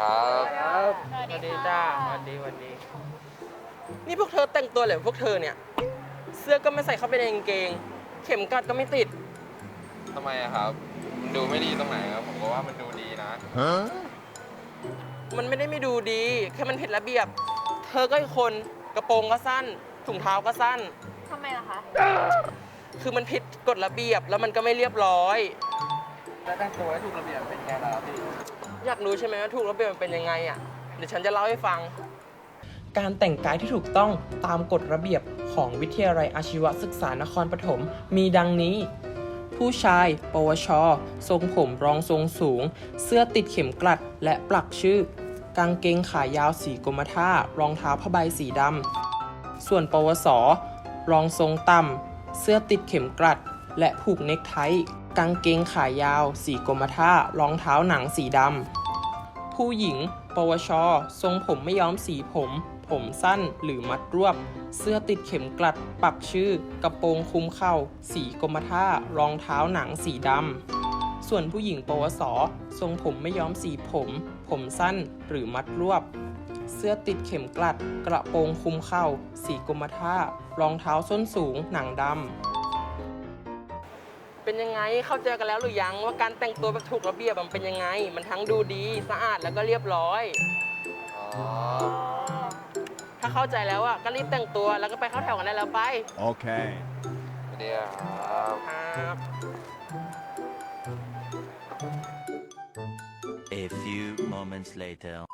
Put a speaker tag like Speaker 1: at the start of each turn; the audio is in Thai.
Speaker 1: ครับ
Speaker 2: สวัสดีจ้าสวัสดี
Speaker 3: นี่พวกเธอแต่งตัวเหรอพวกเธอเนี่ย เสื้อก็ไม่ใส่เข้าไปในกางเกง เข็มกลัดก็ไม่ติด
Speaker 1: ทำไมอะครับมันดูไม่ดีตรงไหนครับผมก็ว่ามันดูดีนะ
Speaker 3: มันไม่ได้ไม่ดูดี แค่มันผิดระเบียบ เธอก็อีกคนกระโปรงก็สั้น ถุงเท้าก็สั้น
Speaker 2: ทำไมล่ะคะ
Speaker 3: คือมันผิดกฎระเบียบแล้วมันก็ไม่เรียบร้อย
Speaker 4: แล้วแต่งตัวให้ถูกระเบียบเป็นไงล่ะพี่
Speaker 3: อยากรู้ใช่ไหมว่าถูกระเบียบมันเป็นยังไงอ่ะ เดี๋ยวฉันจะเล่าให้ฟัง การแต่งกายที่ถูกต้องตามกฎระเบียบของวิทยาลัยอาชีวศึกษานครปฐมมีดังนี้ ผู้ชาย ปวช ทรงผมรองทรงสูง เสื้อติดเข็มกลัดและปลักชื่อ กางเกงขายาวสีกรมท่ารองเท้าผ้าใบสีดำ ส่วนปวส รองทรงต่ำ เสื้อติดเข็มกลัด และผูกเนคไท กางเกงขายาว สีกรมท่ารองเท้าหนังสีดำ ผู้หญิง ปวช ทรงผมไม่ย้อมสีผม ผมสั้นหรือมัดรวบ เสื้อติดเข็มกลัด ปักชื่อ กระโปรงคลุมเข่า สีกรมท่ารองเท้าหนังสีดำ ส่วนผู้หญิง ปวส ทรงผมไม่ย้อมสีผม ผมสั้นหรือมัดรวบ เสื้อติดเข็มกลัด กระโปรงคลุมเข่า สีกรมท่ารองเท้าส้นสูง หนังดำ เป็นยังไง เข้าใจกันแล้วหรือยังว่าการแต่งตัวแบบถูกระเบียบมันเป็นยังไง มันทั้งดูดี สะอาดแล้วก็เรียบร้อย
Speaker 1: อ๋อ
Speaker 3: ถ้าเข้าใจแล้วอ่ะก็รีบแต่งตัวแล้วก็ไปเข้าแถวกันได้แล้วไป
Speaker 5: Okay.
Speaker 1: เดี๋ยวครับ
Speaker 3: ครับ
Speaker 5: A few moments later.